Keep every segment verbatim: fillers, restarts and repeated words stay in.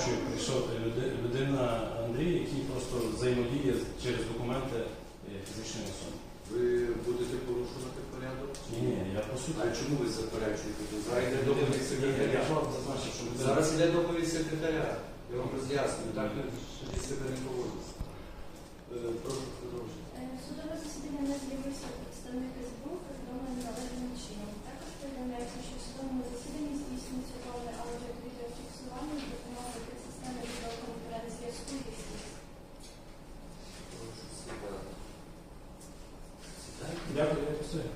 заперечую, прийшов люди- людина Андрій, який просто взаємодіє через документи е, фізичної особи. Ви будете порушувати порядок? Ні, ні, я по суті. А чому ви заперечуєте? Зараз йде доповідь Я секретаря. ж вам зазначив, що людина... Зараз йде доповідь секретаря. Я вам роз'яснюю, так ви тоді себе не поводите. Е, Прошу продовжити. Судове засідання не з'явився представник СБУ, повідомлений належним чином. Також повідомляється, що в судовому засіданні здійснюється повне аудіо-відеофіксування з допомогою системи відеоконференц-зв'язку і СІС. Прошу сідати. Сідайте. Дякую, я постою.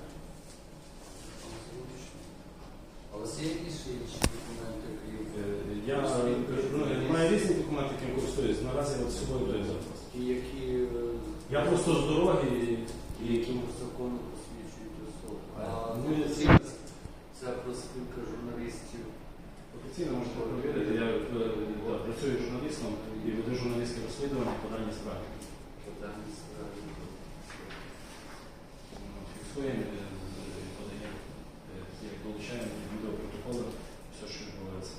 А у вас є якісь ще інші документи, крім Е, Я ну, маю різні документи, яким користуюсь. Наразі от з собою даю зараз. і які е, Я просто з дороги і... і які закону посвідчують особу? А Ну, ну, це- ці ця профспілка журналістів. Офіційно можете перевірити. Я е, да, працюю журналістом і веду журналістське розслідування по даній справі. Питання справи. Фіксуємо, е, е, подаємо, е, як долучаємо відеопротоколи, все, що відбувається.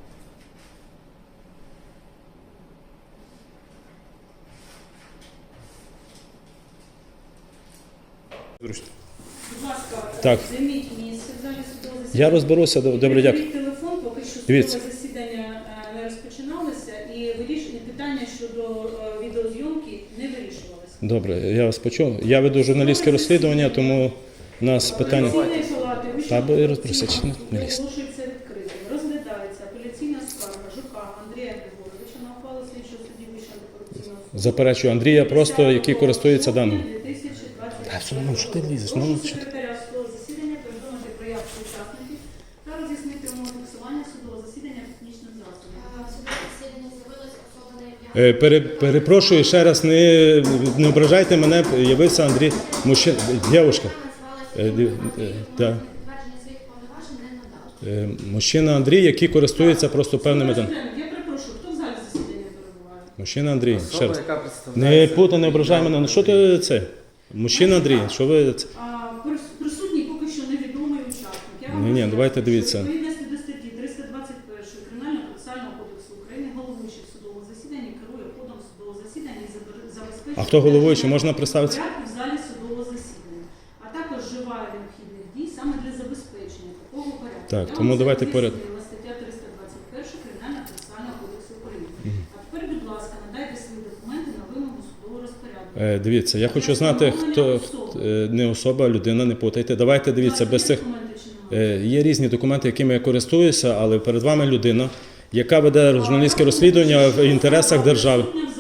Будь ласка, Так. займіть місце в залі судового засідання. Я розберуся, добре, дякую. Беріть телефон, поки що судове Дивіться. засідання е, не розпочиналося, і вирішення питання щодо е, відеозйомки не вирішувалося. Добре, я вас почув. Я веду журналістське розслідування, тому у нас питання. Апеляційної палати Та, бо я розберуся, Вищого чи не- суду не лізь. оголошується відкритим. Розглядається апеляційна скарга Жука Андрія Григоровича на ухвалу слідчого судді Вищого антикорупційного суду. Заперечую Андрія, просто який користується даним. дві тисячі двадцять Та все одно, що ти лізеш? Ну, Прошу що ти- секретаря судового засідання повідомити про явку учасників та роз'яснити умови фіксування судового засідання технічним засобом. Судове засідання з'явилася особа на ім'я. Е, Пере, перепрошую ще раз, не, не ображайте мене, явився Андрій, мужчина, дівчинка. Е, ді- е, да. Підтвердження своїх повноважень не надав. Е, Мужчина Андрій, який користується просто певними даними. Я перепрошую, хто в залі засідання перебуває? Мужчина Андрій, ще раз. яка Не представляє... путай, не ображай мене. Ну що ти це? Мужчина Андрій, що ви це? А, прис- Присутній поки що невідомий учасник. Я вам Ні-ні, роз'ясню, давайте що дивіться. Відповідності до статті триста двадцять першої Кримінального процесуального кодексу України головуючий в судовому засіданні керує ходом судового засідання і забер- забезпечує А хто головуючий? Можна представитися? порядку в залі судового засідання, а також вживає необхідних дій саме для забезпечення такого порядку. Так, Я тому вам це давайте поряд. роз'яснила, стаття триста двадцять перша Кримінального процесуального кодексу України. А тепер, будь ласка, надайте свої документи на вимогу судового розпорядку. Е, Дивіться, я хочу знати, хто е, не особа, людина, не путайте. Давайте дивіться, без цих е, є різні документи, якими я користуюся, але перед вами людина, яка веде журналістське розслідування в інтересах держави.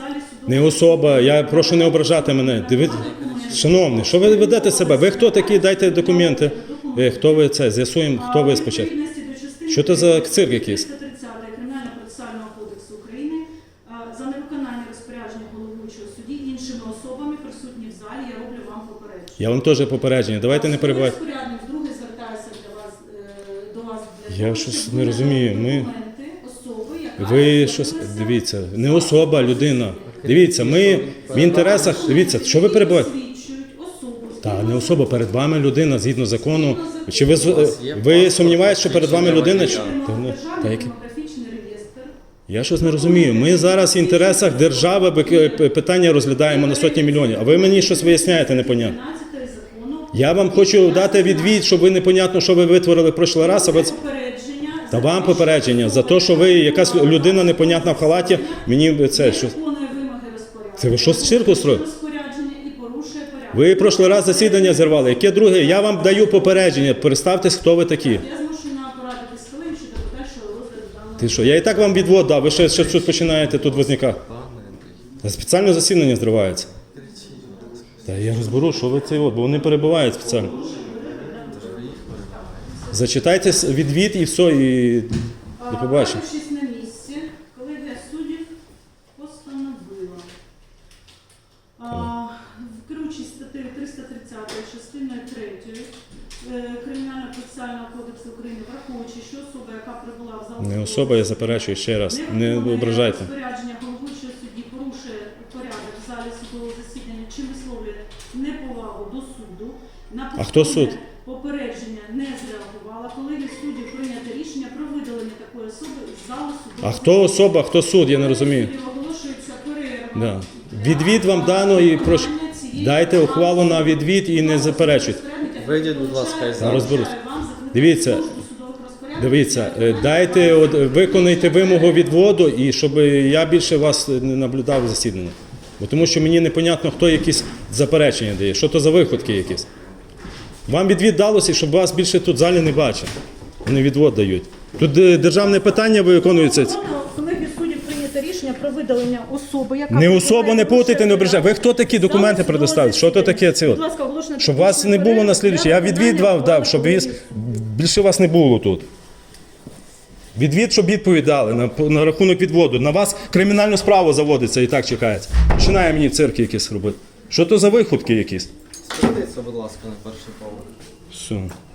Не особа, я прошу не ображати мене. Дивіться, шановний, що ви ведете себе? Ви хто такі? Дайте документи. Е, Хто ви це? З'ясуємо, хто ви спочатку. Що це за цирк якийсь? триста тридцята Кримінального процесуального кодексу України а, за невиконання розпорядження головуючого судді іншими особами присутні в залі, я роблю вам попередження. Я вам теж попередження. Давайте не перебивайте. Розпорядник вдруге звертається для вас, е, до вас для Я того, щось щоб не ви розумію. надали Ми- документи особи, яка Ви щось з'явилася дивіться, не особа, людина. Дивіться, ми в інтересах. Дивіться, що ви перебуваєте? посвідчують особу. Та не особа, перед вами людина згідно закону. Чи ви з- ви сумніваєтесь, що перед вами людина? Чи- Та, ну, та які- Демографічний реєстр. Я щось не розумію. Ми зараз в інтересах держави б- п- питання розглядаємо на сотні мільйонів. А ви мені щось виясняєте непонятно. тринадцятої закону. Я вам хочу дати відвід, щоб ви непонятно, що ви витворили в прошлий раз. А ви... Попередження. Та вам попередження за те, що ви якась людина непонятна в халаті. Мені це що. Виконує вимоги розпорядження. Це ви що з цирку строїте? Розпорядження і порушує порядок. Ви в прошлий раз засідання зірвали. Яке друге? Я вам даю попередження. Представтесь, хто ви такі. Я змушена порадити з колегою щодо подальшого розгляду даного. Ти що? Я і так вам відвод дав. Ви ще, ще щось починаєте тут возникати. Та спеціально засідання зривається. Та я розберу, що ви це от, бо вони перебувають спеціально. Зачитайте с- відвід і все, і до побачення. Порадившись на місці, колегія суддів постановила. А, Керуючись статтею триста тридцять частиною третьою Кримінального процесуального кодексу України, враховуючи, що особа, яка прибула в зал Не особа, я заперечую ще раз. Не ображайте. розпорядження головуючого судді, порушує порядок в залі судового засідання чи висловлює неповагу до суду. На А хто суд? попередження не зреагувала. Колегія суддів прийняти рішення про видалення такої такої особи із залу суду. А хто особа, хто суд, я не розумію. Судді оголошується перерва. Да. для Відвід вам дано і прошу. виконання цієї Дайте ухвалу на відвід і не заперечуйте. Вийдіть, будь ласка, із залу. Розберусь. Дивіться, Дивіться, е, дайте, от, виконайте вимогу відводу, і щоб я більше вас не наблюдав засідання. Бо тому що мені непонятно, хто якісь заперечення дає, що то за виходки якісь. Вам відвід далося, щоб вас більше тут в залі не бачив. Вони відвод дають. Тут е, державне питання виконується. Колеги суддів прийнято рішення про видалення особи, яка Не особу не путайте, не ображайте. Ви хто такі документи предоставили? Що то таке це? Будь ласка, оголошено Щоб вас не було на слідуючий. Я відвід вам дав, щоб віз... більше вас не було тут. Відвід, щоб відповідали на, на рахунок відводу. На вас кримінальну справу заводиться і так чекається. Починає мені цирки якісь робити. Що то за виходки якісь? Спустіться, будь ласка, на перший поверх. Все.